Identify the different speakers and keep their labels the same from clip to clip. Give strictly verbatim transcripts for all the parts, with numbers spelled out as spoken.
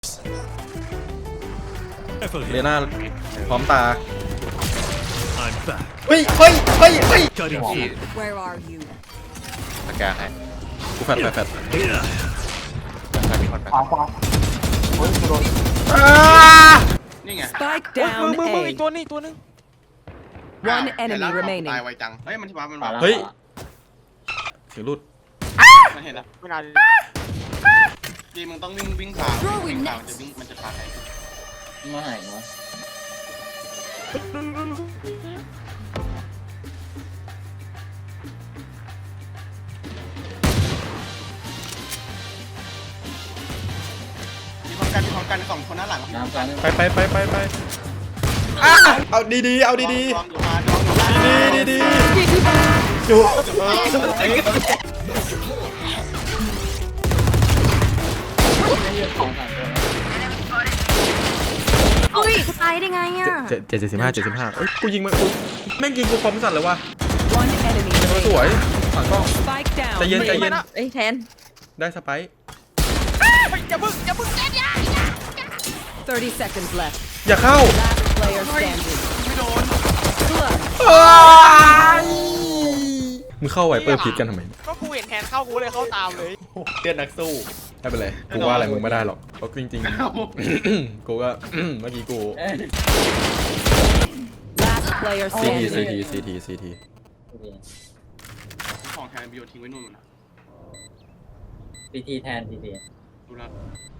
Speaker 1: เรน่าพร้อมตา
Speaker 2: I'm back.
Speaker 1: เฮ้ยเฮ้ยเฮ้ยเฮ้ย
Speaker 2: Cutting through.
Speaker 3: Where are you?
Speaker 4: สแกนให้
Speaker 1: กูแฟดแฟดแฟด
Speaker 2: Yeah.
Speaker 4: ใครมีคนแฟน
Speaker 5: ขวาขวาโอ้ยกูโดน
Speaker 6: นี่ไง
Speaker 3: Spike
Speaker 4: มึง
Speaker 3: down
Speaker 4: มึงมึงอีก
Speaker 3: A.
Speaker 4: ตัวนึงอีกตัวนึง
Speaker 3: One
Speaker 6: เห็น
Speaker 3: enemy
Speaker 6: แล้ว
Speaker 3: remaining
Speaker 6: ตายไวจัง เฮ้ยมันที่บ้ามัน
Speaker 5: ขวา
Speaker 6: มา
Speaker 5: แล้ว
Speaker 1: เฮ้ยเสียงรุด
Speaker 6: มันเห็นแล้ว
Speaker 4: ไม่นาน
Speaker 6: จีมึงต้องวิ่งวิ่งขวาวิ่งขวามันจะวิ่งมันจะพาใคร
Speaker 5: มาไหนวะ
Speaker 6: มีพร้อมกันมีพร้อมกันสองคนหน้าหลัง
Speaker 5: น้ำกัน
Speaker 1: ไปไปไปไปไปอ่ะเอาดีๆเอาดี
Speaker 6: น้องอยู่มาน้องอยู่มา
Speaker 1: ๆดีๆดีๆจุ๊บ
Speaker 3: อุ้ยตายได้ไงอ่ะ
Speaker 1: เจ็ดเจ็ดสิบห้าเจ็ดสิบห้าเอ้ยกูยิงมันกูแม่งยิงกูคอมสั่นเลยว่ะ
Speaker 3: One enemy
Speaker 1: ส
Speaker 3: remaining.
Speaker 1: วยฝั่งกล้อง
Speaker 3: Spike down.
Speaker 1: ใจเย็นใจเย็น
Speaker 3: เอ้ยแทน
Speaker 1: ได้สไปค์
Speaker 3: thirty seconds left.
Speaker 1: อย่าเข้า
Speaker 3: Last player standing.
Speaker 6: ไม่โดน
Speaker 1: มึงเข้าไวเปอร์พีทกันทำไม
Speaker 4: ก็กูเห็นแทนเข้ากูเลยเข้าตามเลย
Speaker 1: เลียดนักสู้ไม่เป็นไรกูว่าอะไรมึงไม่ได้หรอกเพราะจริงๆ กูก็ เมื่อกี้กู
Speaker 3: Last player
Speaker 1: ซีทีซี
Speaker 3: standing.
Speaker 1: ทีซีทีซีที
Speaker 6: ของแทนบิโอทิ้งไว้นู่นนะ
Speaker 5: พีทีแทนพีที
Speaker 6: ดูแล้ว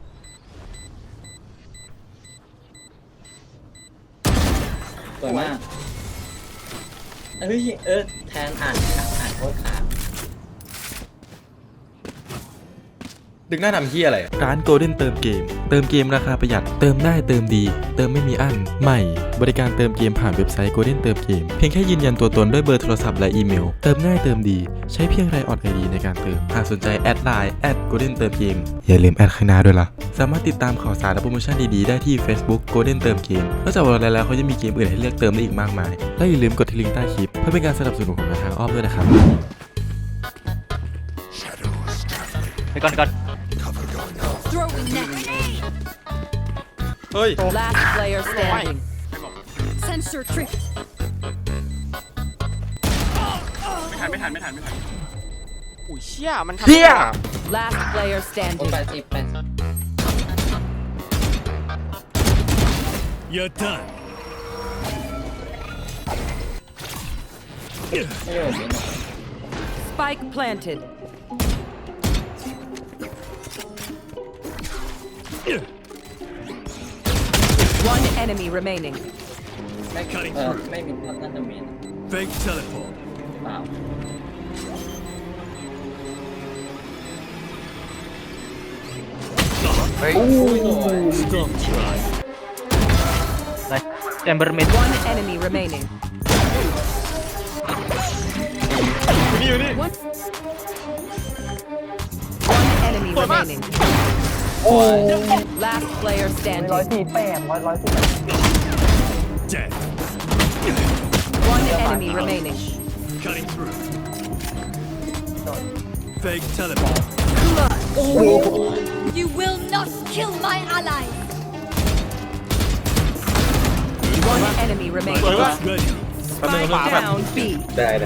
Speaker 5: สวยมากเฮ้ยเออแทนอ่านอ่านโคตรขาด
Speaker 1: ดึงหน้าทำเฮียอะไรร้าน Golden เติมเกมเติมเกมราคาประหยัดเติมได้เติมดีเติมไม่มีอั้นใหม่บริการเติมเกมผ่านเว็บไซต์ Golden เติมเกมเพียงแค่ยืนยันตัวตนด้วยเบอร์โทรศัพท์และอีเมลเติมง่ายเติมดีใช้เพียงไรออดไอดีในการเติมหากสนใจแอดไลน์แอด Golden เติมเกมอย่าลืมแอดข้างหน้าด้วยล่ะสามารถติดตามข่าวสารและโปรโมชั่นดีๆได้ที่ Facebook Golden เติมเกมนอกจากวันแล้วเขาจะมีเกมอื่นให้เลือกเติมได้อีกมากมายและอย่าลืมกดที่ลิงก์ใต้คลิปเพื่อเป็นการสนับสนุนของทางอ้อมด้วยนะครับ
Speaker 4: ไปก่อนก่อน
Speaker 3: Throwing net.
Speaker 1: เฮ้ย
Speaker 3: Last player standing.
Speaker 6: ไม่บอก
Speaker 3: Sensor tripped.
Speaker 6: ไม่ทันไม่ทันไม่ทันไม่ทัน
Speaker 4: อุ้ยเชี่ยมันทำ
Speaker 1: เฮีย
Speaker 3: Last player
Speaker 5: โอ้
Speaker 3: standing.
Speaker 5: แปดสิบแปดสิบ
Speaker 2: You're done.
Speaker 5: ไม่โดนไม่โดน
Speaker 3: Spike planted. One enemy remaining.
Speaker 5: ไม่
Speaker 2: Cutting
Speaker 5: เออ
Speaker 2: through.
Speaker 5: ไม่มีพัฒนามีน
Speaker 2: Fake teleport.
Speaker 5: เปล่า
Speaker 4: เฮ้ย
Speaker 2: Don't try.
Speaker 4: แอมเบอร์เมด
Speaker 3: One enemy remaining.
Speaker 1: นี่อยู่นี่
Speaker 3: One. One enemy remaining. Last player
Speaker 5: ร้อย
Speaker 3: standing.
Speaker 5: สี่แปดร้อยร้อยสี่
Speaker 2: Dead.
Speaker 3: One enemy remaining.
Speaker 2: Cutting through. Fake teleport.
Speaker 7: You will not kill my ally.
Speaker 3: One enemy remaining.
Speaker 2: Ultimate ready.
Speaker 3: Spike down B.
Speaker 5: ได้ได้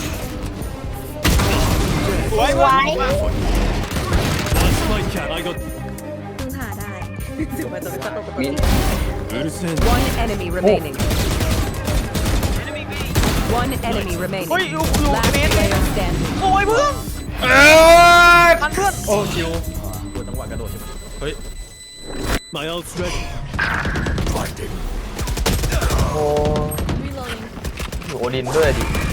Speaker 2: One spike cat. I got.
Speaker 5: มิน
Speaker 2: Listen.
Speaker 3: One enemy remaining. One enemy remaining.
Speaker 4: เฮ้ยอยู่อยู่
Speaker 3: Last
Speaker 4: เมน
Speaker 3: player standing.
Speaker 4: โอ้ยเพื่อน
Speaker 1: เอ้ย
Speaker 4: ทันเพื่อน
Speaker 1: โอ้คิวกูจังหวะกระโดดใช่ไหมเฮ้ย
Speaker 2: My ult's ready.
Speaker 5: โอ้อยู่โอดินด้วยดิ